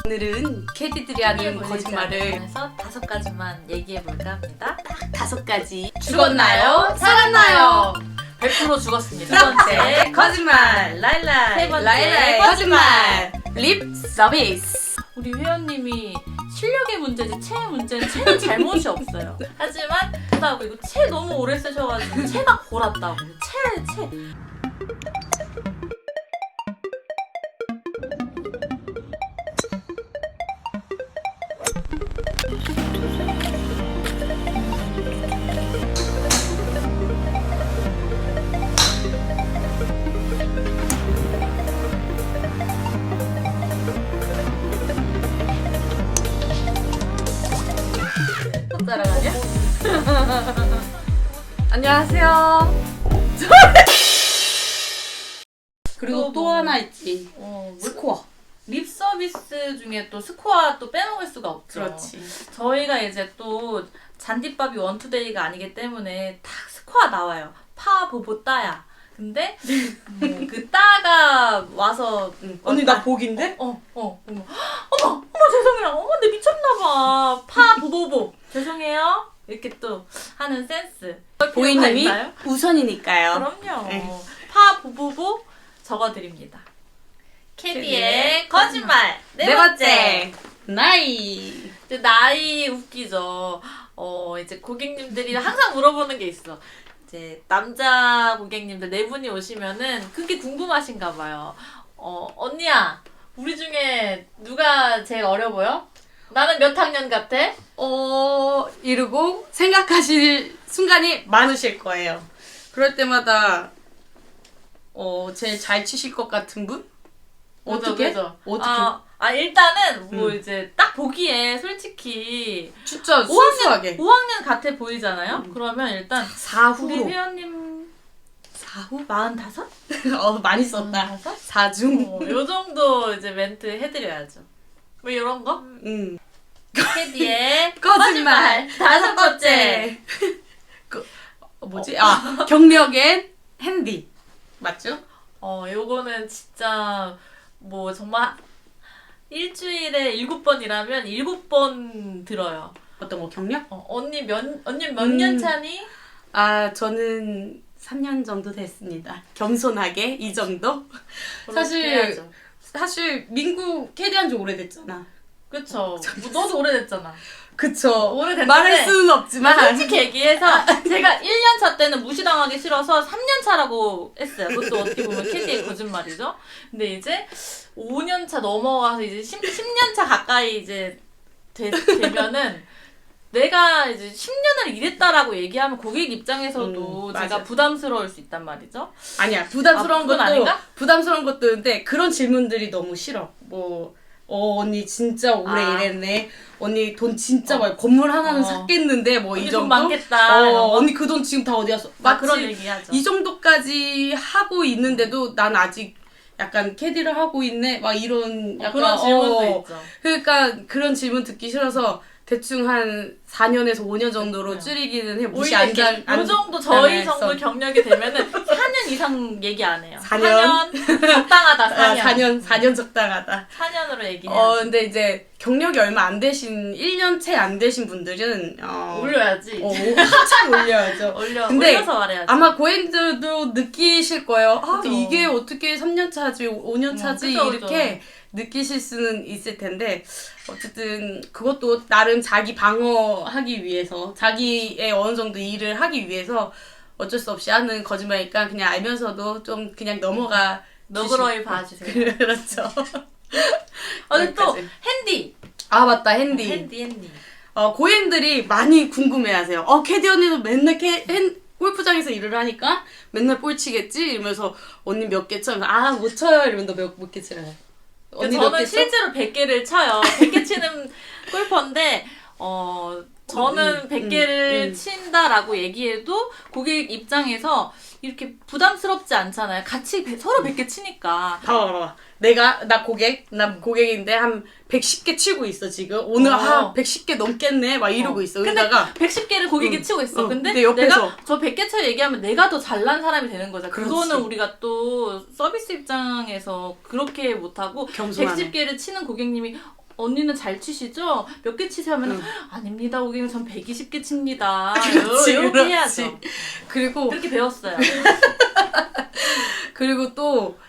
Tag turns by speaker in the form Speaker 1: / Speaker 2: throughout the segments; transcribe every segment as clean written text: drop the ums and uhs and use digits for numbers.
Speaker 1: 오늘은 캐디들이 하는 거짓말을
Speaker 2: 해서 5가지만 얘기해볼까 합니다.
Speaker 1: 딱 5가지.
Speaker 2: 죽었나요? 살았나요? 100% 죽었습니다.
Speaker 1: 두 번째 거짓말.
Speaker 2: 라일라이. 세 번째
Speaker 1: 라일라이 거짓말. 립 서비스.
Speaker 2: 우리 회원님이 실력의 문제지 체의 문제는 체는 잘못이 없어요. 하지만 그다고 이거 체 너무 오래 쓰셔가지고 체가 골았다고. 체. 따라가냐?
Speaker 1: 안녕하세요. 그리고 또 하나 있지. 스코어.
Speaker 2: 립 서비스 중에 또 스코어 또 빼먹을 수가 없죠.
Speaker 1: 그렇지.
Speaker 2: 저희가 이제 또 잔디밥이 원투데이가 아니기 때문에 딱 스코어 나와요. 파, 보보, 따야. 근데 그 따가 와서
Speaker 1: 언니 나 복인데?
Speaker 2: 어머 죄송해요. 어머 내 미쳤나봐. 파, 보보보 죄송해요. 이렇게 또 하는 센스.
Speaker 1: 보이님이
Speaker 2: 있나요?
Speaker 1: 우선이니까요.
Speaker 2: 그럼요.
Speaker 1: 네.
Speaker 2: 파, 보보보 적어드립니다. 캐디의 거짓말
Speaker 1: 네 번째 나이.
Speaker 2: 이제 나이 웃기죠. 이제 고객님들이 항상 물어보는 게 있어. 이제 남자 고객님들 4분이 오시면은 그게 궁금하신가 봐요. 언니야, 우리 중에 누가 제일 어려 보여? 나는 몇 학년 같아?
Speaker 1: 이러고 생각하실 순간이 많으실 거예요. 그럴 때마다 제일 잘 치실 것 같은 분? 어떻게? 어떻게?
Speaker 2: 일단은 뭐 이제 딱 보기에 솔직히
Speaker 1: 진짜 순수하게
Speaker 2: 5학년 같아 보이잖아요? 그러면 일단 우리
Speaker 1: 4후로
Speaker 2: 회원님
Speaker 1: 4후?
Speaker 2: 45?
Speaker 1: 많이 썼다.
Speaker 2: 45?
Speaker 1: 4중.
Speaker 2: 요 정도 이제 멘트 해드려야죠. 뭐 이런 거? 캐디의
Speaker 1: 거짓말.
Speaker 2: 5번째.
Speaker 1: 뭐지? 경력엔 핸디. 맞죠?
Speaker 2: 요거는 진짜 뭐 정말 일주일에 7번이라면 7번 들어요.
Speaker 1: 어떤 거 경력?
Speaker 2: 언니 몇 년 차니?
Speaker 1: 저는 3년 정도 됐습니다. 겸손하게 이 정도?
Speaker 2: 그렇게 해야죠.
Speaker 1: 사실 민구 캐디한 지 오래됐잖아.
Speaker 2: 그쵸. 뭐 너도 오래됐잖아.
Speaker 1: 그쵸.
Speaker 2: 오래됐는데
Speaker 1: 말할 수는 없지만
Speaker 2: 솔직히 얘기해서 제가 1년 차 때는 무시당하기 싫어서 3년 차라고 했어요. 그것도 어떻게 보면 캐디의 거짓말이죠. 근데 이제 5년 차 넘어가서 이제 10년 차 가까이 이제 되면은 내가 이제 10년을 일했다라고 얘기하면 고객 입장에서도 제가
Speaker 1: 맞아.
Speaker 2: 부담스러울 수 있단 말이죠.
Speaker 1: 아니야. 부담스러운
Speaker 2: 그건
Speaker 1: 것도
Speaker 2: 아닌가?
Speaker 1: 부담스러운 것도 있는데 그런 질문들이 너무 싫어. 언니 진짜 오래 일했네. 언니 돈 진짜 많이 건물 하나는 샀겠는데 뭐 이
Speaker 2: 언니
Speaker 1: 정도.
Speaker 2: 돈 많겠다.
Speaker 1: 언니 그 돈 지금 다 어디 갔어?
Speaker 2: 그런 얘기하죠.
Speaker 1: 이 정도까지 하고 있는데도 난 아직 약간 캐디를 하고 있네. 막 이런 약간
Speaker 2: 그런 질문도 있죠.
Speaker 1: 그러니까 그런 질문 듣기 싫어서 대충 한 4년에서 5년 정도로 줄이기는 해. 무시 안
Speaker 2: 요 정도 저희 정도 경력이 되면은 4년 이상 얘기 안 해요.
Speaker 1: 4년?
Speaker 2: 적당하다. 4년.
Speaker 1: 4년 적당하다.
Speaker 2: 4년으로 얘기해요.
Speaker 1: 근데 이제 경력이 얼마 안 되신 1년 채 안 되신 분들은
Speaker 2: 올려야지.
Speaker 1: 한참 올려야죠. 근데
Speaker 2: 올려서 말해야지.
Speaker 1: 아마 고객들도 느끼실 거예요.
Speaker 2: 그쵸.
Speaker 1: 이게 어떻게 3년 차지, 5년 차지
Speaker 2: 그쵸,
Speaker 1: 이렇게 느끼실 수는 있을 텐데 어쨌든 그것도 나름 자기 방어하기 위해서 자기의 어느 정도 일을 하기 위해서 어쩔 수 없이 하는 거짓말이니까 그냥 알면서도 좀 그냥 넘어가
Speaker 2: 너그러이 봐주세요.
Speaker 1: 그렇죠.
Speaker 2: 또 핸디.
Speaker 1: 맞다, 핸디.
Speaker 2: 핸디.
Speaker 1: 고객들이 많이 궁금해하세요. 캐디 언니도 맨날 골프장에서 일을 하니까 맨날 볼 치겠지? 이러면서 언니 몇 개 쳐? 못 쳐요. 이러면 너 몇 개 치래? 언니
Speaker 2: 저는 실제로 100개를 쳐요. 100개 치는 골퍼인데 저는 100개를 친다라고 얘기해도 고객 입장에서 이렇게 부담스럽지 않잖아요. 같이 서로 100개 치니까.
Speaker 1: 봐봐. 나 고객인데 한 110개 치고 있어, 지금. 오늘 110개 넘겠네? 막 이러고 있어.
Speaker 2: 근데 110개를 고객이 치고 있어. 근데
Speaker 1: 옆에서
Speaker 2: 내가 저 100개 쳐 얘기하면 내가 더 잘난 사람이 되는 거잖아. 그거는 우리가 또 서비스 입장에서 그렇게 못하고
Speaker 1: 겸손하네.
Speaker 2: 110개를 치는 고객님이 언니는 잘 치시죠? 몇 개 치세요? 하면 아닙니다 고객님 전 120개 칩니다.
Speaker 1: 그렇지,
Speaker 2: 이렇게
Speaker 1: 그렇지.
Speaker 2: 해야죠.
Speaker 1: 그리고
Speaker 2: 그렇게 배웠어요.
Speaker 1: 그리고 또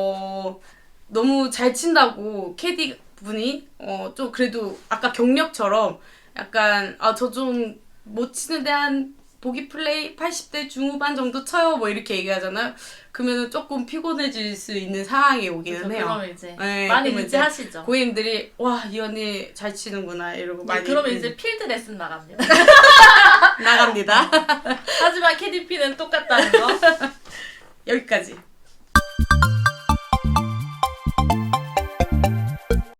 Speaker 1: 너무 잘 친다고 캐디 분이 좀 그래도 아까 경력처럼 약간 저 좀 못 치는데 한 보기 플레이 80대 중후반 정도 쳐요 뭐 이렇게 얘기하잖아요. 그러면은 조금 피곤해질 수 있는 상황이 오기는
Speaker 2: 그래서
Speaker 1: 해요.
Speaker 2: 그러면 이제
Speaker 1: 네,
Speaker 2: 많이
Speaker 1: 그러면 이제
Speaker 2: 유지하시죠.
Speaker 1: 고객님들이 와 이 언니 잘 치는구나 이러고 많이
Speaker 2: 그러면 이제 필드 레슨 나갑니다.
Speaker 1: 나갑니다.
Speaker 2: 하지만 KDP는 똑같다는 거.
Speaker 1: 여기까지.